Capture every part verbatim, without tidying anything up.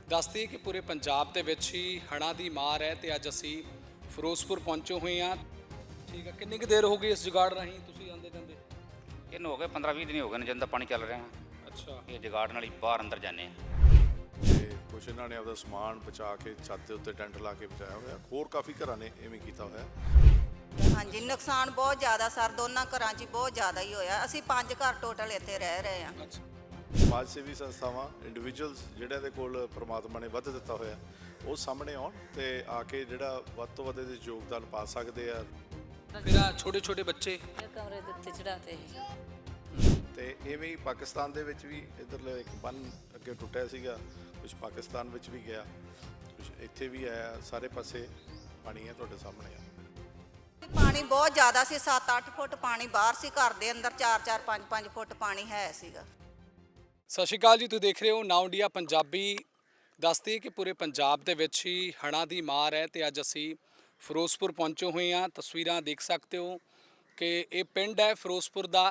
ਦੱਸਦੀ ਕਿ ਪੂਰੇ ਪੰਜਾਬ ਦੇ ਵਿੱਚ ਹੀ ਹੜ੍ਹਾਂ ਦੀ ਮਾਰ ਹੈ ਤੇ ਅੱਜ ਅਸੀਂ ਫਿਰੋਜ਼ਪੁਰ ਪਹੁੰਚੇ ਹੋਏ ਹਾਂ। ਠੀਕ ਹੈ, ਕਿੰਨੀ ਕੁ ਦੇਰ ਹੋ ਗਈ ਇਸ ਜੁਗਾੜ ਰਾਹੀਂ ਤੁਸੀਂ ਆਉਂਦੇ ਜਾਂਦੇ? ਇਹਨੂੰ ਹੋ ਗਏ ਪੰਦਰਾਂ ਵੀਹ ਦਿਨ ਹੋ ਗਏ ਨੇ ਜਦੋਂ ਦਾ ਪਾਣੀ ਚੱਲ ਰਿਹਾ। ਅੱਛਾ, ਇਹ ਜਗਾੜ ਨਾਲ ਹੀ ਬਾਹਰ ਅੰਦਰ ਜਾਂਦੇ ਆ। ਤੇ ਕੁਛ ਇਹਨਾਂ ਨੇ ਆਪਦਾ ਸਮਾਨ ਬਚਾ ਕੇ ਛੱਤ ਦੇ ਉੱਤੇ ਟੈਂਟ ਲਾ ਕੇ ਬਚਾਇਆ ਹੋਇਆ। ਹੋਰ ਕਾਫੀ ਘਰਾਂ ਨੇ ਇਵੇਂ ਕੀਤਾ ਹੋਇਆ। ਹਾਂਜੀ, ਨੁਕਸਾਨ ਬਹੁਤ ਜ਼ਿਆਦਾ ਸਰ, ਦੋਨਾਂ ਘਰਾਂ 'ਚ ਹੀ ਬਹੁਤ ਜ਼ਿਆਦਾ ਹੀ ਹੋਇਆ। ਅਸੀਂ ਪੰਜ ਘਰ ਟੋਟਲ ਇੱਥੇ ਰਹਿ ਰਹੇ ਹਾਂ। ਅੱਛਾ, ਸਮਾਜ ਸੇਵੀ ਸੰਸਥਾਵਾਂ, ਇੰਡੀਵਿਜੂਅਲਸ ਜਿਹੜਿਆਂ ਦੇ ਕੋਲ ਪ੍ਰਮਾਤਮਾ ਨੇ ਵੱਧ ਦਿੱਤਾ ਹੋਇਆ, ਉਹ ਸਾਹਮਣੇ ਆਉਣ ਤੇ ਆ ਕੇ ਜਿਹੜਾ ਵੱਧ ਤੋਂ ਵੱਧ ਇਹਦੇ 'ਚ ਯੋਗਦਾਨ ਪਾ ਸਕਦੇ ਆ। ਫਿਰ ਆ ਛੋਟੇ ਛੋਟੇ ਬੱਚੇ ਇਹ ਕਮਰੇ ਦੇ ਉੱਤੇ ਚੜਾਤੇ ਸੀ। ਤੇ ਇਵੇਂ ਹੀ ਪਾਕਿਸਤਾਨ ਦੇ ਵਿੱਚ ਵੀ ਇੱਧਰਲੇ ਇੱਕ ਬੰਨ ਅੱਗੇ ਟੁੱਟਿਆ ਸੀਗਾ, ਕੁਝ ਪਾਕਿਸਤਾਨ ਵਿੱਚ ਵੀ ਗਿਆ, ਕੁਝ ਇੱਥੇ ਵੀ ਆਇਆ। ਸਾਰੇ ਪਾਸੇ ਪਾਣੀ ਹੈ, ਤੁਹਾਡੇ ਸਾਹਮਣੇ ਆ। ਪਾਣੀ ਬਹੁਤ ਜ਼ਿਆਦਾ ਸੀ, ਸੱਤ ਅੱਠ ਫੁੱਟ ਪਾਣੀ ਬਾਹਰ ਸੀ, ਘਰ ਦੇ ਅੰਦਰ ਚਾਰ ਚਾਰ ਪੰਜ ਪੰਜ ਫੁੱਟ ਪਾਣੀ ਹੈ ਸੀਗਾ। ਸਤਿ ਸ਼੍ਰੀ ਅਕਾਲ ਜੀ, ਤੁਸੀਂ ਦੇਖ ਰਹੇ ਹੋ ਨਾਓ ਇੰਡੀਆ ਪੰਜਾਬੀ। ਦੱਸਦੀ ਕਿ ਪੂਰੇ ਪੰਜਾਬ ਦੇ ਵਿੱਚ ਹੀ ਹੜ੍ਹਾਂ ਦੀ ਮਾਰ ਹੈ ਤੇ ਅੱਜ ਅਸੀਂ ਫਿਰੋਜ਼ਪੁਰ ਪਹੁੰਚੇ ਹੋਏ ਹਾਂ। ਤਸਵੀਰਾਂ ਦੇਖ ਸਕਦੇ ਹੋ ਕਿ ਇਹ ਪਿੰਡ ਹੈ ਫਿਰੋਜ਼ਪੁਰ ਦਾ,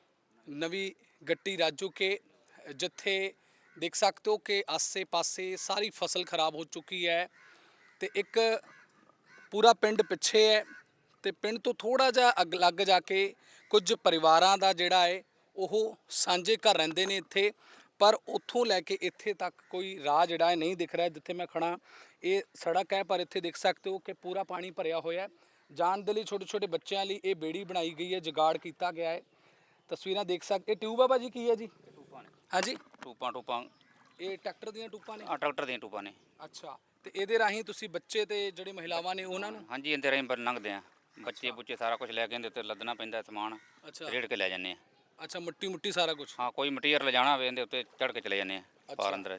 ਨਵੀਂ ਗੱਟੀ ਰਾਜੂ ਕੇ, ਜਿੱਥੇ ਦੇਖ ਸਕਦੇ ਹੋ ਕਿ ਆਸੇ ਪਾਸੇ ਸਾਰੀ ਫਸਲ ਖਰਾਬ ਹੋ ਚੁੱਕੀ ਹੈ ਤੇ ਇੱਕ ਪੂਰਾ ਪਿੰਡ ਪਿੱਛੇ ਹੈ ਤੇ ਪਿੰਡ ਤੋਂ ਥੋੜਾ ਜਿਹਾ ਅੱਗ ਲੱਗ ਜਾ ਕੇ ਕੁਝ ਪਰਿਵਾਰਾਂ ਦਾ ਜਿਹੜਾ ਹੈ ਉਹ ਸਾਂਝੇ ਘਰ ਰਹਿੰਦੇ ਨੇ ਇੱਥੇ, ਪਰ ਉੱਥੋਂ ਲੈ ਕੇ ਇੱਥੇ ਤੱਕ ਕੋਈ ਰਾਹ ਜਿਹੜਾ ਹੈ ਨਹੀਂ ਦਿਖ ਰਿਹਾ। ਜਿੱਥੇ ਮੈਂ ਖੜਾ ਇਹ ਸੜਕ ਹੈ, ਪਰ ਇੱਥੇ ਦੇਖ ਸਕਦੇ ਹੋ ਕਿ ਪੂਰਾ ਪਾਣੀ ਭਰਿਆ ਹੋਇਆ ਹੈ। ਜਾਣ ਦੇ ਲਈ ਛੋਟੇ ਛੋਟੇ ਬੱਚਿਆਂ ਲਈ ਇਹ ਬੇੜੀ ਬਣਾਈ ਗਈ ਹੈ, ਜੁਗਾੜ ਕੀਤਾ ਗਿਆ ਹੈ। ਤਸਵੀਰਾਂ ਦੇਖ ਸਕਦੇ। ਇਹ ਟਿਊਬ ਆ ਭਾਜੀ, ਕੀ ਹੈ ਜੀ? ਟੂਪਾਂ ਨੇ, ਹਾਂਜੀ, ਟੂਪਾਂ ਟੂਪਾਂ ਇਹ ਟਰੈਕਟਰ ਦੀਆਂ ਟੂਪਾਂ ਨੇ। ਆ ਟਰੈਕਟਰ ਦੀਆਂ ਟੂਪਾਂ ਨੇ। ਅੱਛਾ, ਤੇ ਇਹਦੇ ਰਾਹੀਂ ਤੁਸੀਂ ਬੱਚੇ ਤੇ ਜਿਹੜੇ ਮਹਿਲਾਵਾਂ ਨੇ ਉਹਨਾਂ ਨੂੰ? ਹਾਂਜੀ, ਇਹਦੇ ਰਾਹੀਂ ਲੰਘਦੇ ਆ। ਬੱਚੇ ਬੁੱਚੇ ਸਾਰਾ ਕੁਝ ਲੈ ਕੇ ਇਹਦੇ ਉੱਤੇ ਲੱਦਣਾ ਪੈਂਦਾ ਸਮਾਨ, ਅੱਛਾ ਰੇੜ ਕੇ ਲੈ ਜਾਂਦੇ ਆ। ਅੱਛਾ, ਮਿੱਟੀ ਮੁੱਟੀ ਸਾਰਾ ਕੁਝ? ਹਾਂ, ਕੋਈ ਮਟੀਰੀਅਲ ਲਿਜਾਣਾ ਹੋਵੇ ਇਹਦੇ ਉੱਤੇ ਚੜ੍ਹ ਕੇ ਚਲੇ ਜਾਂਦੇ ਆ ਬਾਹਰ ਅੰਦਰ।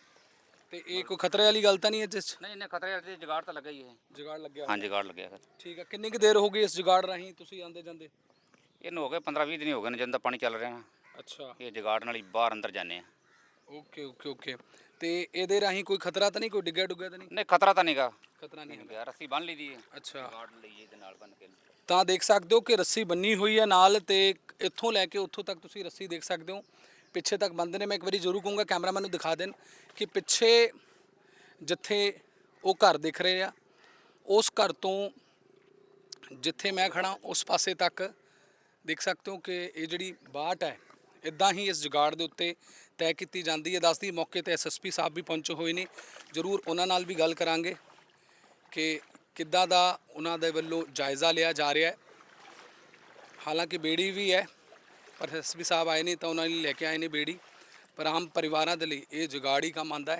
ਤੇ ਇਹ ਕੋਈ ਖਤਰੇ ਵਾਲੀ ਗੱਲ ਤਾਂ ਨਹੀਂ ਹੈ ਜਿਸ 'ਚ? ਨਹੀਂ ਨਹੀਂ, ਖਤਰੇ ਵਾਲੀ ਜਗਾੜ ਤਾਂ ਲੱਗਾ ਹੀ ਹੈ। ਜੁਗਾੜ ਲੱਗਿਆ? ਹਾਂ, ਜਗਾੜ ਲੱਗਿਆ ਫਿਰ। ਠੀਕ ਹੈ, ਕਿੰਨੀ ਕੁ ਦੇਰ ਹੋ ਗਈ ਇਸ ਜੁਗਾੜ ਰਾਹੀਂ ਤੁਸੀਂ ਆਉਂਦੇ ਜਾਂਦੇ? ਇਹਨੂੰ ਹੋ ਗਏ ਪੰਦਰਾਂ ਵੀਹ ਦਿਨ ਹੋ ਗਏ ਨੇ ਜਦੋਂ ਦਾ ਪਾਣੀ ਚੱਲ ਰਿਹਾ। ਅੱਛਾ, ਇਹ ਜਗਾੜ ਨਾਲ ਹੀ ਬਾਹਰ ਅੰਦਰ ਜਾਂਦੇ ਆ। Okay okay okay. ਤੇ ਇਹਦੇ ਰਾਹੀਂ ਕੋਈ ਖਤਰਾ ਤਾਂ ਨਹੀਂ, ਕੋਈ ਡਿੱਗਿਆ ਡੁੱਗਿਆ ਤਾਂ ਨਹੀਂ? ਨਹੀਂ, ਖਤਰਾ ਤਾਂ ਨਹੀਂਗਾ। ਖਤਰਾ ਨਹੀਂ ਹੈ। ਗਿਆ, ਰੱਸੀ ਬੰਨ ਲਈ ਦੀ ਹੈ। ਅੱਛਾ, ਜਗਾੜ ਲਈ ਇਹਦੇ ਨਾਲ ਬੰਨ ਕੇ। ਤਾਂ ਦੇਖ ਸਕਦੇ ਹੋ ਕਿ ਰੱਸੀ ਬੰਨੀ ਹੋਈ ਹੈ ਨਾਲ, ਤੇ ਇੱਥੋਂ ਲੈ ਕੇ ਉੱਥੋਂ ਤੱਕ ਤੁਸੀਂ ਰੱਸੀ ਦੇਖ ਸਕਦੇ ਹੋ। ਪਿੱਛੇ ਤੱਕ ਬੰਦ ਨੇ। ਮੈਂ ਇੱਕ ਵਾਰੀ ਜ਼ਰੂਰ ਕਹੂੰਗਾ ਕੈਮਰਾਮੈਨ ਨੂੰ ਦਿਖਾ ਦੇਣ ਕਿ ਪਿੱਛੇ ਜਿੱਥੇ ਉਹ ਘਰ ਦਿਖ ਰਹੇ ਆ, ਉਸ ਘਰ ਤੋਂ ਜਿੱਥੇ ਮੈਂ ਖੜਾ ਉਸ ਪਾਸੇ ਤੱਕ ਦੇਖ ਸਕਦੇ ਹੋ ਕਿ ਇਹ ਜਿਹੜੀ ਬਾਟ ਹੈ ਇੱਦਾਂ ਹੀ ਇਸ ਜੁਗਾੜ ਦੇ ਉੱਤੇ ਤੈਅ ਕੀਤੀ ਜਾਂਦੀ ਹੈ। ਦੱਸਦੀ ਮੌਕੇ ਤੇ ਐਸ ਐਸ ਪੀ ਸਾਹਿਬ ਵੀ ਪਹੁੰਚੇ ਹੋਏ ਨੇ, ਜ਼ਰੂਰ ਉਹਨਾਂ ਨਾਲ ਵੀ ਗੱਲ ਕਰਾਂਗੇ ਕਿ ਕਿੱਦਾਂ ਦਾ ਉਹਨਾਂ ਦੇ ਵੱਲੋਂ ਜਾਇਜ਼ਾ ਲਿਆ ਜਾ ਰਿਹਾ ਹੈ। ਹਾਲਾਂਕਿ ਬੇੜੀ ਵੀ ਹੈ, ਪਰ ਐਸ ਐਸ ਪੀ ਸਾਹਿਬ ਆਏ ਨਹੀਂ ਤਾਂ ਉਹਨਾਂ ਲਈ ਲੈ ਕੇ ਆਏ ਨੇ ਬੇੜੀ, ਪਰ ਆਮ ਪਰਿਵਾਰਾਂ ਦੇ ਲਈ ਇਹ ਜੁਗਾੜ ਹੀ ਕੰਮ ਆਉਂਦਾ ਹੈ।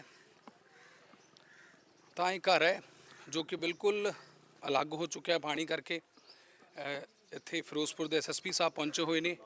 ਤਾਂ ਇਹ ਘਰ ਹੈ ਜੋ ਕਿ ਬਿਲਕੁਲ ਅਲੱਗ ਹੋ ਚੁੱਕਿਆ ਪਾਣੀ ਕਰਕੇ। ਇੱਥੇ ਫਿਰੋਜ਼ਪੁਰ ਦੇ ਐਸ ਐਸ ਪੀ ਸਾਹਿਬ ਪਹੁੰਚੇ ਹੋਏ ਨੇ।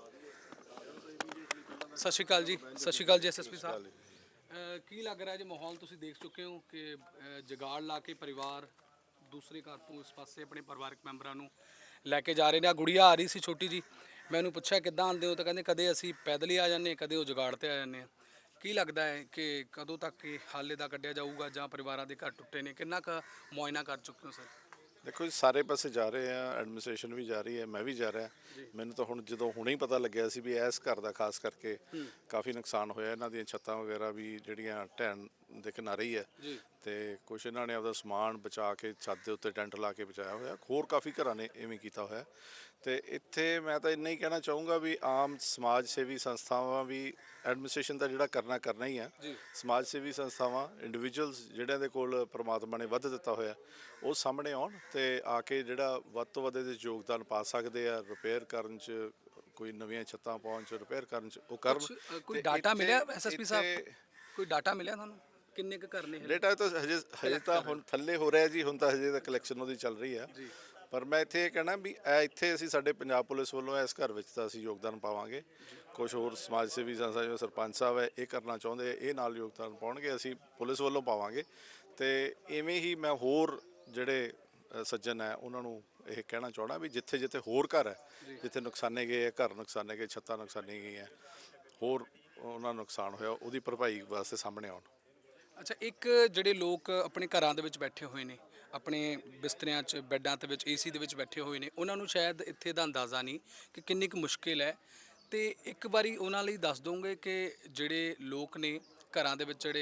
ਸਤਿ ਸ਼੍ਰੀ ਅਕਾਲ ਜੀ। ਸਤਿ ਸ਼੍ਰੀ ਅਕਾਲ ਜੀ ਐਸ ਐਸ ਪੀ ਸਾਹਿਬ। ਕੀ ਲੱਗ ਰਿਹਾ ਜੀ ਮਾਹੌਲ ਤੁਸੀਂ ਦੇਖ ਚੁੱਕੇ ਹੋ ਕਿ ਜੁਗਾੜ ਲਾ ਕੇ ਪਰਿਵਾਰ ਦੂਸਰੇ ਘਰ ਤੋਂ ਇਸ ਪਾਸੇ ਆਪਣੇ ਪਰਿਵਾਰਕ ਮੈਂਬਰਾਂ ਨੂੰ ਲੈ ਕੇ ਜਾ ਰਹੇ ਨੇ? ਆ ਗੁੜੀਆ ਆ ਰਹੀ ਸੀ ਛੋਟੀ ਜੀ, ਮੈਂ ਉਹਨੂੰ ਪੁੱਛਿਆ ਕਿੱਦਾਂ ਆਉਂਦੇ ਹੋ, ਤਾਂ ਕਹਿੰਦੇ ਕਦੇ ਅਸੀਂ ਪੈਦਲ ਹੀ ਆ ਜਾਂਦੇ, ਕਦੇ ਉਹ ਜੁਗਾੜ 'ਤੇ ਆ ਜਾਂਦੇ ਹਾਂ। ਕੀ ਲੱਗਦਾ ਹੈ ਕਿ ਕਦੋਂ ਤੱਕ ਇਹ ਹਾਲੇ ਦਾ ਕੱਢਿਆ ਜਾਊਗਾ, ਜਾਂ ਪਰਿਵਾਰਾਂ ਦੇ ਘਰ ਟੁੱਟੇ ਨੇ, ਕਿੰਨਾ ਕੁ ਮੁਆਇਨਾ ਕਰ ਚੁੱਕੇ ਹੋ ਸਰ? ਦੇਖੋ ਜੀ, ਸਾਰੇ ਪਾਸੇ ਜਾ ਰਹੇ ਆ, ਐਡਮਿਨਿਸਟ੍ਰੇਸ਼ਨ ਵੀ ਜਾ ਰਹੀ ਹੈ, ਮੈਂ ਵੀ ਜਾ ਰਿਹਾ। ਮੈਨੂੰ ਤਾਂ ਹੁਣ ਜਦੋਂ ਹੁਣੇ ਹੀ ਪਤਾ ਲੱਗਿਆ ਸੀ ਵੀ ਇਸ ਘਰ ਦਾ ਖਾਸ ਕਰਕੇ ਕਾਫੀ ਨੁਕਸਾਨ ਹੋਇਆ। ਇਹਨਾਂ ਦੀਆਂ ਛੱਤਾਂ ਵਗੈਰਾ ਵੀ ਜਿਹੜੀਆਂ ਢਹਿਣ ਦੇ ਕਿਨਾਰੇ ਹੀ ਹੈ, ਤੇ ਕੁਛ ਇਹਨਾਂ ਨੇ ਆਪਦਾ ਸਮਾਨ ਬਚਾ ਕੇ ਛੱਤ ਦੇ ਉੱਤੇ ਟੈਂਟ ਲਾ ਕੇ ਬਚਾਇਆ ਹੋਇਆ। ਹੋਰ ਕਾਫੀ ਘਰਾਂ ਨੇ ਇਵੇਂ ਕੀਤਾ ਹੋਇਆ। ਤੇ ਇੱਥੇ ਮੈਂ ਤਾਂ ਇੰਨਾ ਹੀ ਕਹਿਣਾ ਚਾਹੂੰਗਾ ਵੀ ਆਮ ਸਮਾਜ ਸੇਵੀ ਸੰਸਥਾਵਾਂ ਵੀ, ਐਡਮਿਨਿਸਟ੍ਰੇਸ਼ਨ ਦਾ ਜਿਹੜਾ ਕਰਨਾ ਕਰਨਾ ਹੀ ਆ। ਸਮਾਜ ਸੇਵੀ ਸੰਸਥਾਵਾਂ, ਇੰਡੀਵਿਜੂਅਲਸ ਜਿਹੜਿਆਂ ਦੇ ਕੋਲ ਪ੍ਰਮਾਤਮਾ ਨੇ ਵੱਧ ਦਿੱਤਾ ਹੋਇਆ, ਉਹ ਸਾਹਮਣੇ ਆਉਣ ਤੇ ਆ ਕੇ ਜਿਹੜਾ ਵੱਧ ਤੋਂ ਵੱਧ ਇਹਦੇ 'ਚ ਯੋਗਦਾਨ ਪਾ ਸਕਦੇ ਆ। ਰਿਪੇਅਰ ਕਰਨ 'ਚ, ਕੋਈ ਨਵੀਆਂ ਛੱਤਾਂ ਪਾਉਣ 'ਚ, ਰਿਪੇਅਰ ਕਰਨ 'ਚ ਉਹ ਕਰਨ। ਕੋਈ ਡਾਟਾ ਮਿਲਿਆ ਐਸ ਐਸ ਪੀ ਸਾਹਿਬ, ਕੋਈ ਡਾਟਾ ਮਿਲਿਆ ਤੁਹਾਨੂੰ ਕਿੰਨੇ ਕੁ ਘਰ ਨੇ? ਡੇਟਾ ਤਾਂ ਹਜੇ ਹਜੇ ਤਾਂ ਹੁਣ ਥੱਲੇ ਹੋ ਰਿਹਾ ਜੀ, ਹੁਣ ਤਾਂ ਹਜੇ ਤਾਂ ਕਲੈਕਸ਼ਨ ਉਹਦੀ ਚੱਲ ਰਹੀ ਆ। ਪਰ ਮੈਂ ਇੱਥੇ ਇਹ ਕਹਿਣਾ ਵੀ ਇਹ ਇੱਥੇ ਅਸੀਂ ਸਾਡੇ ਪੰਜਾਬ ਪੁਲਿਸ ਵੱਲੋਂ ਇਸ ਘਰ ਵਿੱਚ ਤਾਂ ਅਸੀਂ ਯੋਗਦਾਨ ਪਾਵਾਂਗੇ। ਕੁਛ ਹੋਰ ਸਮਾਜ ਸੇਵੀ ਸੰਸਥਾ ਜਿਵੇਂ ਸਰਪੰਚ ਸਾਹਿਬ ਹੈ ਇਹ ਕਰਨਾ ਚਾਹੁੰਦੇ, ਇਹ ਨਾਲ ਯੋਗਦਾਨ ਪਾਉਣਗੇ, ਅਸੀਂ ਪੁਲਿਸ ਵੱਲੋਂ ਪਾਵਾਂਗੇ। ਤੇ ਇਵੇਂ ਹੀ ਮੈਂ ਹੋਰ ਜਿਹੜੇ ਸੱਜਣ ਹੈ ਉਹਨਾਂ ਨੂੰ ਇਹ ਕਹਿਣਾ ਚਾਹੁੰਦਾ ਵੀ ਜਿੱਥੇ ਜਿੱਥੇ ਹੋਰ ਘਰ ਹੈ, ਜਿੱਥੇ ਨੁਕਸਾਨੇ ਗਏ ਹੈ, ਘਰ ਨੁਕਸਾਨੇ ਗਏ, ਛੱਤਾਂ ਨੁਕਸਾਨੀ ਗਈਆਂ, ਹੋਰ ਉਹਨਾਂ ਨੂੰ ਨੁਕਸਾਨ ਹੋਇਆ, ਉਹਦੀ ਭਰਪਾਈ ਵਾਸਤੇ ਸਾਹਮਣੇ ਆਉਣ। ਅੱਛਾ, ਇੱਕ ਜਿਹੜੇ ਲੋਕ ਆਪਣੇ ਘਰਾਂ ਦੇ ਵਿੱਚ ਬੈਠੇ ਹੋਏ ਨੇ, ਆਪਣੇ ਬਿਸਤਰਿਆਂ 'ਚ, ਬੈੱਡਾਂ ਦੇ ਵਿੱਚ, ਏ ਸੀ ਦੇ ਵਿੱਚ ਬੈਠੇ ਹੋਏ ਨੇ, ਉਹਨਾਂ ਨੂੰ ਸ਼ਾਇਦ ਇੱਥੇ ਦਾ ਅੰਦਾਜ਼ਾ ਨਹੀਂ ਕਿ ਕਿੰਨੀ ਕੁ ਮੁਸ਼ਕਿਲ ਹੈ। ਤੇ ਇੱਕ ਵਾਰੀ ਉਹਨਾਂ ਲਈ ਦੱਸ ਦੋਗੇ ਕਿ ਜਿਹੜੇ ਲੋਕ ਨੇ ਘਰਾਂ ਦੇ ਵਿੱਚ, ਜਿਹੜੇ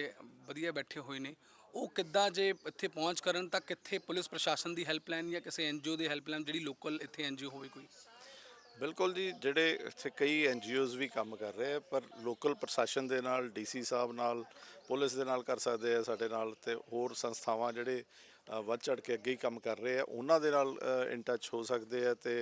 ਵਧੀਆ ਬੈਠੇ ਹੋਏ ਨੇ, ਉਹ ਕਿੱਦਾਂ ਜੇ ਇੱਥੇ ਪਹੁੰਚ ਕਰਨ ਤਾਂ ਕਿੱਥੇ ਪੁਲਿਸ ਪ੍ਰਸ਼ਾਸਨ ਦੀ ਹੈਲਪਲਾਈਨ ਜਾਂ ਕਿਸੇ ਐਨਜੀਓ ਦੀ ਹੈਲਪਲਾਈਨ ਜਿਹੜੀ ਲੋਕਲ ਇੱਥੇ ਐਨਜੀਓ ਹੋਵੇ ਕੋਈ? ਬਿਲਕੁਲ ਜੀ, ਜਿਹੜੇ ਇੱਥੇ ਕਈ ਐਨਜੀਓਜ਼ ਵੀ ਕੰਮ ਕਰ ਰਹੇ ਆ, ਪਰ ਲੋਕਲ ਪ੍ਰਸ਼ਾਸਨ ਦੇ ਨਾਲ, ਡੀਸੀ ਸਾਹਿਬ ਨਾਲ, ਪੁਲਿਸ ਦੇ ਨਾਲ ਕਰ ਸਕਦੇ ਆ ਸਾਡੇ ਨਾਲ, ਤੇ ਹੋਰ ਸੰਸਥਾਵਾਂ ਜਿਹੜੇ ਅ, ਵੱਧ ਚੜ ਕੇ ਅੱਗੇ ਹੀ ਕੰਮ ਕਰ ਰਹੇ ਆ ਉਹਨਾਂ ਦੇ ਨਾਲ ਇਨ ਟੱਚ ਹੋ ਸਕਦੇ ਆ ਤੇ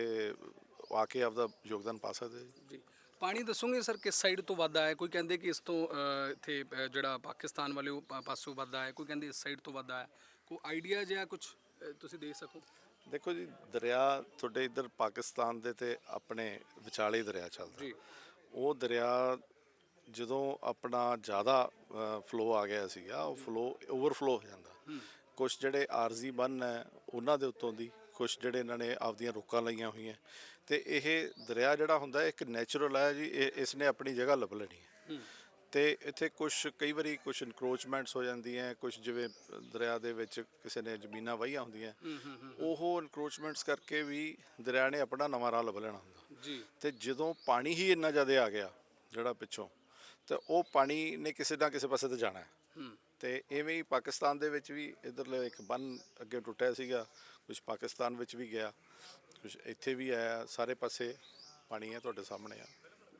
ਆ ਕੇ ਆਪਦਾ ਯੋਗਦਾਨ ਪਾ ਸਕਦੇ ਆ ਜੀ। ਜੀ ਪਾਣੀ ਦੱਸੋਗੇ ਸਰ ਕਿਸ ਸਾਈਡ ਤੋਂ ਵੱਧ ਆਇਆ? ਕੋਈ ਕਹਿੰਦੇ ਕਿ ਇਸ ਤੋਂ ਅ, ਇੱਥੇ ਅ, ਜਿਹੜਾ ਪਾਕਿਸਤਾਨ ਵਾਲੇ ਉਹ ਪਾ- ਪਾਸੋਂ ਵੱਧ ਆਇਆ, ਕੋਈ ਕਹਿੰਦੇ ਇਸ ਸਾਈਡ ਤੋਂ ਵੱਧ ਆਇਆ, ਕੋਈ ਆਈਡੀਆ ਜਾਂ ਕੁਝ ਤੁਸੀਂ ਦੇ ਸਕੋ? ਦੇਖੋ ਜੀ, ਦਰਿਆ ਤੁਹਾਡੇ ਇੱਧਰ ਪਾਕਿਸਤਾਨ ਦੇ ਤੇ ਆਪਣੇ ਵਿਚਾਲੇ ਦਰਿਆ ਚੱਲਦਾ। ਜੀ। ਉਹ ਦਰਿਆ ਜਦੋਂ ਆਪਣਾ ਜ਼ਿਆਦਾ ਫਲੋ ਆ ਗਿਆ ਸੀਗਾ, ਉਹ ਫਲੋ ਓਵਰਫਲੋ ਹੋ ਜਾਂਦਾ। ਕੁਝ ਜਿਹੜੇ ਆਰਜ਼ੀ ਬੰਨ ਹੈ ਉਹਨਾਂ ਦੇ ਉੱਤੋਂ ਦੀ, ਕੁਝ ਜਿਹੜੇ ਇਹਨਾਂ ਨੇ ਆਪਦੀਆਂ ਰੋਕਾਂ ਲਾਈਆਂ ਹੋਈਆਂ, ਤੇ ਇਹ ਦਰਿਆ ਜਿਹੜਾ ਹੁੰਦਾ ਇੱਕ ਨੈਚੁਰਲ ਹੈ ਜੀ, ਇਹ ਇਸ ਨੇ ਆਪਣੀ ਜਗ੍ਹਾ ਲੱਭ ਲੈਣੀ ਹੈ। ਤੇ ਇੱਥੇ ਕੁਝ ਕਈ ਵਾਰੀ ਕੁਝ ਇਨਕਰੋਚਮੈਂਟਸ ਹੋ ਜਾਂਦੀਆਂ, ਕੁਝ ਜਿਵੇਂ ਦਰਿਆ ਦੇ ਵਿੱਚ ਕਿਸੇ ਨੇ ਜ਼ਮੀਨਾਂ ਵਾਹੀਆਂ ਹੁੰਦੀਆਂ, ਉਹ ਇਨਕਰੋਚਮੈਂਟਸ ਕਰਕੇ ਵੀ ਦਰਿਆ ਨੇ ਆਪਣਾ ਨਵਾਂ ਰਾਹ ਲੱਭ ਲੈਣਾ ਹੁੰਦਾ ਜੀ। ਤੇ ਜਦੋਂ ਪਾਣੀ ਹੀ ਇੰਨਾ ਜ਼ਿਆਦਾ ਆ ਗਿਆ ਜਿਹੜਾ ਪਿੱਛੋਂ, ਤੇ ਉਹ ਪਾਣੀ ਨੇ ਕਿਸੇ ਨਾ ਕਿਸੇ ਪਾਸੇ ਤੇ ਜਾਣਾ ਹੈ। ਤੇ ਐਵੇਂ ਹੀ ਪਾਕਿਸਤਾਨ ਦੇ ਵਿੱਚ ਵੀ ਇੱਧਰਲੇ ਇੱਕ ਬੰਨ ਅੱਗੇ ਟੁੱਟਿਆ ਸੀਗਾ, ਕੁਝ ਪਾਕਿਸਤਾਨ ਵਿੱਚ ਵੀ ਗਿਆ, ਕੁਝ ਇੱਥੇ ਵੀ ਆਇਆ, ਸਾਰੇ ਪਾਸੇ ਪਾਣੀ ਹੈ, ਤੁਹਾਡੇ ਸਾਹਮਣੇ ਆ।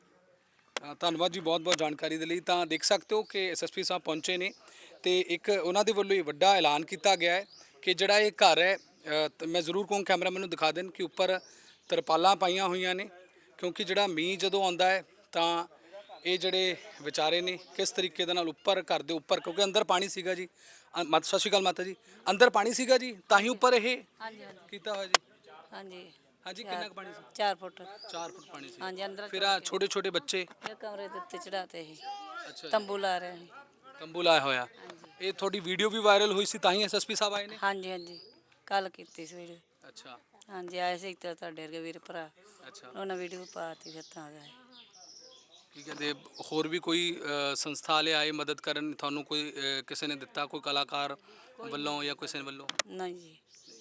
ਅ, ਧੰਨਵਾਦ ਜੀ ਬਹੁਤ ਬਹੁਤ ਜਾਣਕਾਰੀ ਦੇ ਲਈ। ਤਾਂ ਦੇਖ ਸਕਦੇ ਹੋ ਕਿ ਐਸਐਸਪੀ ਸਾਹਿਬ ਪਹੁੰਚੇ ਨੇ ਤੇ ਇੱਕ ਉਹਨਾਂ ਦੇ ਵੱਲੋਂ ਇਹ ਵੱਡਾ ਐਲਾਨ ਕੀਤਾ ਗਿਆ ਹੈ ਕਿ ਜਿਹੜਾ ਇਹ ਘਰ ਹੈ, ਅ, ਤੇ ਮੈਂ ਜ਼ਰੂਰ ਕਹੂੰ ਕੈਮਰਾ ਮੈਨੂੰ ਦਿਖਾ ਦੇਣ ਕਿ ਉੱਪਰ ਤਰਪਾਲਾਂ ਪਾਈਆਂ ਹੋਈਆਂ ਨੇ, ਕਿਉਂਕਿ ਜਿਹੜਾ ਮੀਂਹ ਜਦੋਂ ਆਉਂਦਾ ਹੈ ਤਾਂ ਇਹ ਜਿਹੜੇ ਵਿਚਾਰੇ ਨੇ ਕਿਸ ਤਰੀਕੇ ਦੇ ਨਾਲ ਉੱਪਰ ਘਰ ਦੇ ਉੱਪਰ, ਕਿਉਂਕਿ ਅੰਦਰ ਪਾਣੀ ਸੀਗਾ ਜੀ। ਅ, ਮਾਤਾ ਸਤਿ ਸ਼੍ਰੀ ਅਕਾਲ ਮਾਤਾ ਜੀ, ਅੰਦਰ ਪਾਣੀ ਸੀਗਾ ਜੀ ਤਾਂ ਹੀ ਉੱਪਰ ਇਹ ਹਾਂਜੀ ਹਾਂਜੀ ਕੀਤਾ ਹੋਇਆ ਜੀ। ਹਾਂਜੀ ਹਾਂਜੀ ਕਿੰਨਾ ਕੁ ਪਾਣੀ ਸੀ? ਚਾਰ ਫੁੱਟ ਚਾਰ ਫੁੱਟ ਪਾਣੀ ਸੀ। ਹਾਂਜੀ ਅੰਦਰ ਫਿਰ ਆ ਛੋਟੇ ਛੋਟੇ ਬੱਚੇ ਇਹ ਕਮਰੇ ਦੇ ਉੱਤੇ ਚੜਾਤੇ ਸੀ, ਅੱਛਾ ਤੰਬੂ ਲਾ ਰਹੇ ਸੀ। ਤੰਬੂ ਲਾਇਆ ਹੋਇਆ। ਇਹ ਤੁਹਾਡੀ ਵੀਡੀਓ ਵੀ ਵਾਇਰਲ ਹੋਈ ਸੀ ਤਾਂ ਹੀ ਐਸਐਸਪੀ ਸਾਹਿਬ ਆਏ ਨੇ? ਹਾਂਜੀ ਹਾਂਜੀ ਕੱਲ ਕੀਤੀ ਸੀ ਵੀਡੀਓ। ਅੱਛਾ ਹਾਂਜੀ ਆਏ ਸੀ ਤੇ ਤੁਹਾਡੇ ਵਰਗੇ ਵੀਰ ਭਰਾ, ਅੱਛਾ। ਉਹਨਾਂ ਵੀਡੀਓ ਪਾਤੀ ਫਿਰ ਤਾਂ ਗਏ। ਕੀ ਕਹਿੰਦੇ ਹੋਰ ਵੀ ਕੋਈ ਅ, ਸੰਸਥਾ ਵਾਲੇ ਆਏ ਮਦਦ ਕਰਨ ਤੁਹਾਨੂੰ? ਕੋਈ ਅ, ਕਿਸੇ ਨੇ ਦਿੱਤਾ, ਕੋਈ ਕਲਾਕਾਰ ਵੱਲੋਂ ਜਾਂ ਕਿਸੇ ਵੱਲੋਂ? ਨਹੀਂ ਜੀ।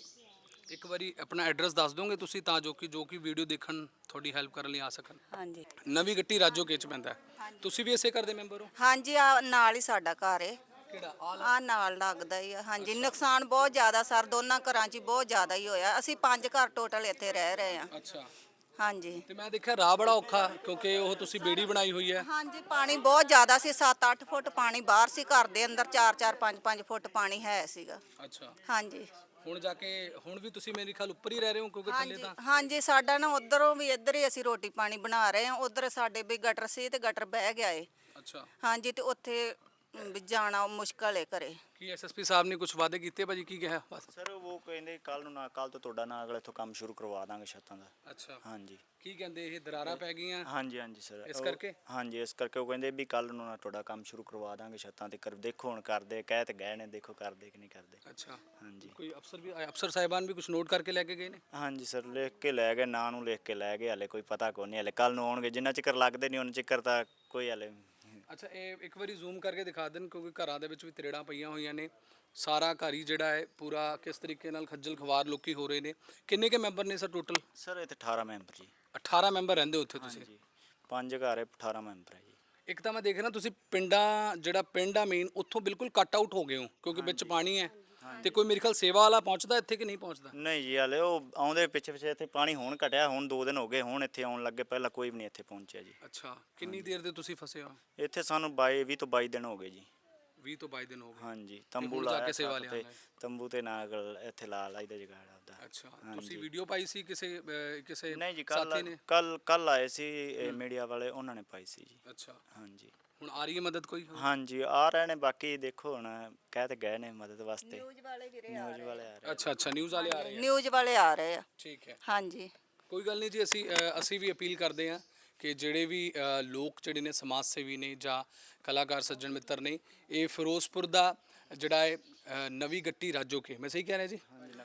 ਇੱਕ ਵਾਰੀ ਆਪਣਾ ਐਡਰੈਸ ਦੱਸ ਦੋਗੇ ਤੁਸੀਂ ਤਾਂ ਜੋ ਕਿ ਜੋ ਕਿ ਵੀਡੀਓ ਦੇਖਣ ਤੁਹਾਡੀ ਹੈਲਪ ਕਰਨ ਲਈ ਆ ਸਕਣ। ਹਾਂਜੀ ਨਵੀਂ ਗੱਟੀ ਰਾਜੋਕੇ ਚ ਪੈਂਦਾ ਹੈ। ਤੁਸੀਂ ਵੀ ਇਸੇ ਘਰ ਦੇ ਮੈਂਬਰ ਹੋ? ਹਾਂਜੀ ਆ ਨਾਲ ਹੀ ਸਾਡਾ ਘਰ ਏ, ਕਿਹੜਾ ਆ ਨਾਲ ਲੱਗਦਾ ਹੀ ਆ। ਹਾਂਜੀ ਨੁਕਸਾਨ ਬਹੁਤ ਜ਼ਿਆਦਾ ਸਰ, ਦੋਨਾਂ ਘਰਾਂ 'ਚ ਹੀ ਬਹੁਤ ਜ਼ਿਆਦਾ ਹੀ ਹੋਇਆ। ਅਸੀਂ ਪੰਜ ਘਰ ਟੋਟਲ ਇੱਥੇ ਰਹਿ ਰਹੇ ਆ। ਅੱਛਾ। ਹਾਂਜੀ ਤੇ ਮੈਂ ਦੇਖਿਆ ਰਾਹ ਬੜਾ ਔਖਾ, ਕਿਉਂਕਿ ਉਹ ਤੁਸੀਂ ਬੇੜੀ ਬਣਾਈ ਹੋਈ ਹੈ। ਹਾਂਜੀ ਪਾਣੀ ਬਹੁਤ ਜ਼ਿਆਦਾ ਸੀ, ਸੱਤ ਅੱਠ ਫੁੱਟ ਪਾਣੀ ਬਾਹਰ ਸੀ, ਘਰ ਦੇ ਅੰਦਰ ਚਾਰ ਚਾਰ ਪੰਜ ਪੰਜ ਫੁੱਟ ਪਾਣੀ ਹੈ ਸੀਗਾ। ਅੱਛਾ। ਹਾਂਜੀ ਹੁਣ ਜਾ ਕੇ ਹੁਣ ਵੀ ਤੁਸੀਂ ਮੇਰੇ ਖਿਆਲ ਉੱਪਰ ਹੀ ਰਹਿ ਰਹੇ ਹੋ, ਕਿਉਂਕਿ ਥੱਲੇ ਹਾਂਜੀ ਤਾਂ ਹਾਂਜੀ ਸਾਡਾ ਨਾ ਉਧਰੋਂ ਵੀ ਇੱਧਰ ਹੀ ਅਸੀਂ ਰੋਟੀ ਪਾਣੀ ਬਣਾ ਰਹੇ ਹਾਂ। ਉਧਰ ਸਾਡੇ ਵੀ ਗਟਰ ਸੀ ਤੇ ਗਟਰ ਬਹਿ ਗਿਆ ਏ। ਅੱਛਾ। ਹਾਂਜੀ ਤੇ ਉੱਥੇ ਵੀ ਜਾਣਾ ਮੁਸ਼ਕਲ ਏ ਘਰੇ। ਕੀ ਐਸਐਸਪੀ ਸਾਹਿਬ ਨੇ ਕੁਝ ਵਾਅਦੇ ਕੀਤੇ ਭਾਜੀ? ਕੀ ਕਿਹਾ ਬਸ? ਸਰ ਉਹ ਕਹਿੰਦੇ ਕੱਲ ਨੂੰ ਨਾ ਕੱਲ ਤੋਂ ਤੁਹਾਡਾ ਨਾ ਅਗਲੇ ਇੱਥੋਂ ਕੰਮ ਸ਼ੁਰੂ ਕਰਵਾ ਦਾਂਗੇ ਛੱਤਾਂ ਦਾ। ਅੱਛਾ। ਹਾਂਜੀ ਕੀ ਕਹਿੰਦੇ ਇਹ ਦਰਾਰਾਂ ਪੈ ਗਈਆਂ ਹਾਂਜੀ ਹਾਂਜੀ ਸਰ ਇਸ ਉਹ- ਕਰਕੇ? ਹਾਂਜੀ ਇਸ ਕਰਕੇ ਉਹ ਕਹਿੰਦੇ ਵੀ ਕੱਲ ਨੂੰ ਨਾ ਤੁਹਾਡਾ ਕੰਮ ਸ਼ੁਰੂ ਕਰਵਾ ਦਾਂਗੇ ਛੱਤਾਂ ਤੇ। ਕਰ ਦੇਖੋ ਹੁਣ ਕਰਦੇ ਕਹਿ ਤੇ ਗਏ ਨੇ, ਦੇਖੋ ਕਰਦੇ ਕਿ ਨਹੀਂ ਕਰਦੇ। ਅੱਛਾ। ਹਾਂਜੀ ਕੋਈ ਅਫਸਰ ਵੀ ਆਏ, ਅਫਸਰ ਸਾਹਿਬਾਨ ਵੀ ਕੁਝ ਨੋਟ ਕਰਕੇ ਲੈ ਕੇ ਗਏ ਨੇ? ਹਾਂਜੀ ਸਰ ਲਿਖ ਕੇ ਲੈ ਗਏ, ਨਾਂ ਨੂੰ ਲਿਖ ਕੇ ਲੈ ਗਏ, ਹਲੇ ਕੋਈ ਪਤਾ ਕੋ ਨਹੀਂ, ਹਲੇ ਕੱਲ ਨੂੰ ਆਉਣਗੇ। ਜਿੰਨਾ ਚਿਕਰ ਲੱਗਦੇ ਨਹੀਂ ਉਹਨਾਂ ਚਿਕਰ ਤਾਂ ਕੋਈ ਹਲੇ। ਅੱਛਾ ਇਹ ਇੱਕ ਵਾਰੀ ਜ਼ੂਮ ਕਰਕੇ ਦਿਖਾ ਦੇਣ, ਕਿਉਂਕਿ ਘਰਾਂ ਦੇ ਵਿੱਚ ਵੀ ਤਰੇੜਾਂ ਪਈਆਂ ਹੋਈਆਂ ਨੇ। ਸਾਰਾ ਘਰ ਹੀ ਜਿਹੜਾ ਹੈ ਪੂਰਾ ਕਿਸ ਤਰੀਕੇ ਨਾਲ ਖੱਜਲ ਖਵਾਰ ਲੋਕੀ ਹੋ ਰਹੇ ਨੇ। ਕਿੰਨੇ ਕੇ ਮੈਂਬਰ ਨੇ ਸਰ ਟੋਟਲ? ਸਰ ਇੱਥੇ ਅਠਾਰਾਂ ਮੈਂਬਰ ਜੀ। ਅਠਾਰਾਂ ਮੈਂਬਰ ਰਹਿੰਦੇ ਉੱਥੇ ਤੁਸੀਂ? ਹਾਂਜੀ ਪੰਜ ਘਰ ਹੈ, ਅਠਾਰਾਂ ਮੈਂਬਰ ਹੈ ਜੀ। ਇੱਕ ਤਾਂ ਮੈਂ ਦੇਖ ਰਿਹਾ ਤੁਸੀਂ ਪਿੰਡਾਂ ਜਿਹੜਾ ਪਿੰਡ ਆ ਮੇਨ ਉੱਥੋਂ ਬਿਲਕੁਲ ਕੱਟ ਆਊਟ ਹੋ ਗਏ ਹੋ, ਕਿਉਂਕਿ ਵਿੱਚ ਪਾਣੀ ਹੈ। ਤੇ ਕੋਈ ਮੇਰੇ ਖਿਆਲ ਸੇਵਾ ਵਾਲਾ ਪਹੁੰਚਦਾ ਇੱਥੇ ਕਿ ਨਹੀਂ ਪਹੁੰਚਦਾ? ਨਹੀਂ ਜੀ ਹਲੇ ਉਹ ਆਉਂਦੇ ਪਿੱਛੇ ਪਿੱਛੇ ਇੱਥੇ ਪਾਣੀ ਹੁਣ ਘਟਿਆ, ਹੁਣ ਦੋ ਦਿਨ ਹੋ ਗਏ, ਹੁਣ ਇੱਥੇ ਆਉਣ ਲੱਗੇ, ਪਹਿਲਾਂ ਕੋਈ ਵੀ ਨਹੀਂ ਇੱਥੇ ਪਹੁੰਚਿਆ ਜੀ। ਅੱਛਾ। ਕਿੰਨੀ ਦੇਰ ਦੇ ਤੁਸੀਂ ਫਸੇ ਹੋ? ਇੱਥੇ ਸਾਨੂੰ ਬਾਈ ਵੀਹ ਤੋਂ ਬਾਈ ਦਿਨ ਹੋ ਗਏ ਜੀ। ਵੀਹ ਤੋਂ ਬਾਈ ਦਿਨ ਹੋ ਗਏ। ਹਾਂਜੀ ਤੰਬੂ ਹੁਣ ਜਾ ਲਾਇਆ ਕੇ ਸੇਵਾ ਛੱਤ ਲਿਆਉਣਾ ਤੇ, ਹੈ। ਤੰਬੂ ਤੇ ਨਾਲ ਇੱਥੇ ਲਾ ਲਾਈਦਾ ਜਗਾੜ ਆਪਦਾ। ਅੱਛਾ। ਹਾਂਜੀ। ਤੁਸੀਂ ਵੀਡੀਓ ਪਾਈ ਸੀ ਕਿਸੇ ਅਹ, ਕਿਸੇ ਨਹੀਂ ਜੀ ਸਾਥੀ ਕੱਲ ਨੇ? ਕੱਲ ਕੱਲ ਆਏ ਸੀ ਮੀਡੀਆ ਵਾਲੇ, ਉਹਨਾਂ ਨੇ ਪਾਈ ਸੀ ਜੀ। ਅੱਛਾ। ਹਾਂਜੀ ਹੁਣ ਆ ਰਹੀ ਹੈ ਮਦਦ ਕੋਈ? ਹਾਂਜੀ ਆ ਰਹੇ ਨੇ, ਬਾਕੀ ਦੇਖੋ ਹੁਣ ਕਹਿ ਤੇ ਗਏ ਨੇ ਮਦਦ ਵਾਸਤੇ। ਨਿਊਜ਼ ਵਾਲੇ ਵੀਰੇ ਨਿਊਜ਼ ਵਾਲੇ ਆ ਰਹੇ। ਅੱਛਾ ਅੱਛਾ ਨਿਊਜ਼ ਵਾਲੇ ਆ ਰਹੇ ਆ। ਨਿਊਜ਼ ਵਾਲੇ ਆ ਰਹੇ ਆ। ਠੀਕ ਹੈ। ਹਾਂਜੀ ਕੋਈ ਗੱਲ ਨਹੀਂ ਜੀ, ਅਸੀਂ ਅ, ਅਸੀਂ ਵੀ ਅਪੀਲ ਕਰਦੇ ਹਾਂ ਕਿ ਜਿਹੜੇ ਵੀ ਅ, ਲੋਕ ਜਿਹੜੇ ਨੇ ਸਮਾਜ ਸੇਵੀ ਨੇ ਜਾਂ ਕਲਾਕਾਰ ਸੱਜਣ ਮਿੱਤਰ ਨੇ, ਇਹ ਫਿਰੋਜ਼ਪੁਰ ਦਾ ਜਿਹੜਾ ਹੈ ਅ, ਨਵੀਂ ਗੱਟੀ ਰਾਜੋਕੇ, ਮੈਂ ਸਹੀ ਕਹਿ ਰਿਹਾ ਜੀ?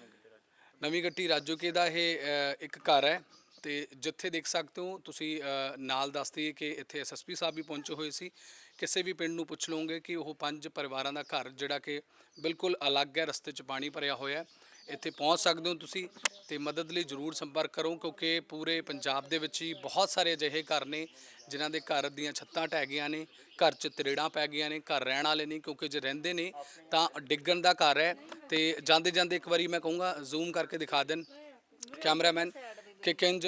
ਨਵੀਂ ਗੱਟੀ ਰਾਜੋਕੇ ਦਾ ਇਹ ਅ, ਇੱਕ ਘਰ ਹੈ ਤੇ ਜਿੱਥੇ ਦੇਖ ਸਕਦੇ ਹੋ ਤੁਸੀਂ ਅ, ਨਾਲ ਦੱਸਦੀ ਕਿ ਇੱਥੇ ਐਸਐਸਪੀ ਸਾਹਿਬ ਵੀ ਪਹੁੰਚੇ ਹੋਏ ਸੀ। ਕਿਸੇ ਵੀ ਪਿੰਡ ਨੂੰ ਪੁੱਛ ਲਓਗੇ ਕਿ ਉਹ ਪੰਜ ਪਰਿਵਾਰਾਂ ਦਾ ਘਰ ਜਿਹੜਾ ਕਿ ਬਿਲਕੁਲ ਅਲੱਗ ਹੈ, ਰਸਤੇ 'ਚ ਪਾਣੀ ਭਰਿਆ ਹੋਇਆ ਹੈ। ਇੱਥੇ ਪਹੁੰਚ ਸਕਦੇ ਹੋ ਤੁਸੀਂ ਤੇ ਮਦਦ ਲਈ ਜ਼ਰੂਰ ਸੰਪਰਕ ਕਰੋ, ਕਿਉਂਕਿ ਪੂਰੇ ਪੰਜਾਬ ਦੇ ਵਿੱਚ ਹੀ ਬਹੁਤ ਸਾਰੇ ਅਜਿਹੇ ਘਰ ਨੇ ਜਿਨ੍ਹਾਂ ਦੇ ਘਰ ਦੀਆਂ ਛੱਤਾਂ ਢਹਿ ਗਈਆਂ ਨੇ, ਘਰ 'ਚ ਤਰੇੜਾਂ ਪੈ ਗਈਆਂ ਨੇ, ਘਰ ਰਹਿਣ ਵਾਲੇ ਨਹੀਂ, ਕਿਉਂਕਿ ਜੇ ਰਹਿੰਦੇ ਨੇ ਤਾਂ ਡਿੱਗਣ ਦਾ ਘਰ ਹੈ। ਤੇ ਜਾਂਦੇ ਜਾਂਦੇ ਇੱਕ ਵਾਰੀ ਮੈਂ ਕਹੂੰਗਾ ਜ਼ੂਮ ਕਰਕੇ ਦਿਖਾ ਦੇਣ ਕੈਮਰਾਮੈਨ ਕਿ ਕਿੰਜ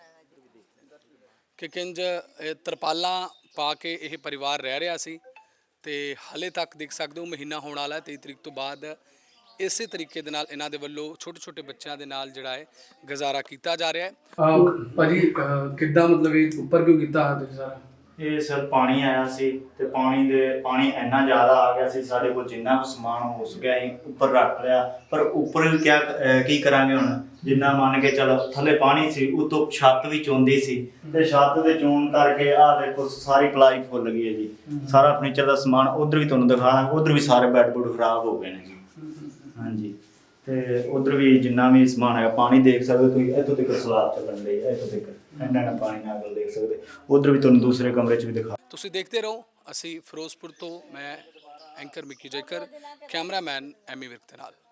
ਕਿ ਕਿੰਜ ਇਹ ਤਰਪਾਲਾਂ ਪਾ ਕੇ ਇਹ ਪਰਿਵਾਰ ਰਹਿ ਰਿਹਾ ਸੀ ਤੇ ਹਾਲੇ ਤੱਕ ਦੇਖ ਸਕਦੇ ਹੋ ਮਹੀਨਾ ਹੋਣ ਵਾਲਾ ਹੈ। ਤੇਈ ਤਰੀਕ ਤੋਂ ਬਾਅਦ ਇਸੇ ਤਰੀਕੇ ਦੇ ਨਾਲ ਇਹਨਾਂ ਦੇ ਵੱਲੋਂ ਛੋਟੇ ਛੋਟੇ ਬੱਚਿਆਂ ਦੇ ਨਾਲ ਜਿਹੜਾ ਹੈ ਗੁਜ਼ਾਰਾ ਕੀਤਾ ਜਾ ਰਿਹਾ ਹੈ। ਭਾਜੀ ਕਿੱਦਾਂ ਮਤਲਬ ਇਹ ਉੱਪਰ ਕਿਉਂ ਕੀਤਾ ਤੁਸੀਂ ਸਾਰਾ? ਇਹ ਸਰ ਪਾਣੀ ਆਇਆ ਸੀ ਤੇ ਪਾਣੀ ਦੇ ਪਾਣੀ ਇੰਨਾ ਜ਼ਿਆਦਾ ਆ ਗਿਆ ਸੀ, ਸਾਡੇ ਕੋਲ ਜਿੰਨਾ ਕੁ ਸਮਾਨ ਹੋ ਸਕਿਆ ਅਸੀਂ ਉੱਪਰ ਰੱਖ ਲਿਆ। ਪਰ ਉੱਪਰ ਕਿਆ ਅਹ ਕੀ ਕਰਾਂਗੇ ਹੁਣ, ਜਿੰਨਾ ਮੰਨ ਕੇ ਚਲੋ ਥੱਲੇ ਪਾਣੀ ਸੀ, ਉਤੋਂ ਛੱਤ ਵੀ ਚੋਂਦੀ ਸੀ ਤੇ ਛੱਤ ਦੇ ਚੋਣ ਕਰਕੇ ਆਹ ਦੇਖੋ ਸਾਰੀ ਪਲਾਈ ਫੁੱਲ ਗਈ ਹੈ ਜੀ। ਸਾਰਾ ਫਰਨੀਚਰ ਦਾ ਸਮਾਨ ਉਧਰ ਵੀ ਤੁਹਾਨੂੰ ਦਿਖਾ ਦਾਂਗੇ, ਉਧਰ ਵੀ ਸਾਰੇ ਬੈੱਡ ਬੁੱਡ ਖਰਾਬ ਹੋ ਗਏ ਨੇ ਜੀ। ਹਾਂਜੀ, ਤੇ ਉਧਰ ਵੀ ਜਿੰਨਾ ਵੀ ਸਮਾਨ ਹੈਗਾ, ਪਾਣੀ ਦੇਖ ਸਕਦੇ ਹੋ ਤੁਸੀਂ, ਇੱਥੋਂ ਤੱਕ ਸਲਾਬ ਚੱਲਣ ਡਈ ਹੈ, ਇੱਥੋਂ ਤੱਕ ਇੰਨਾ ਇੰਨਾ ਪਾਣੀ ਨਾਲ ਦੇਖ ਸਕਦੇ। ਉਧਰ ਵੀ ਤੁਹਾਨੂੰ ਦੂਸਰੇ ਕਮਰੇ 'ਚ ਵੀ ਦਿਖਾ। ਤੁਸੀਂ ਦੇਖਦੇ ਰਹੋ, ਅਸੀਂ ਫਿਰੋਜ਼ਪੁਰ ਤੋਂ, ਮੈਂ ਐਂਕਰ ਮਿੱਕੀ ਜੇਕਰ, ਕੈਮਰਾਮੈਨ ਐਮੀ ਵਿਰਕ ਦੇ ਨਾਲ।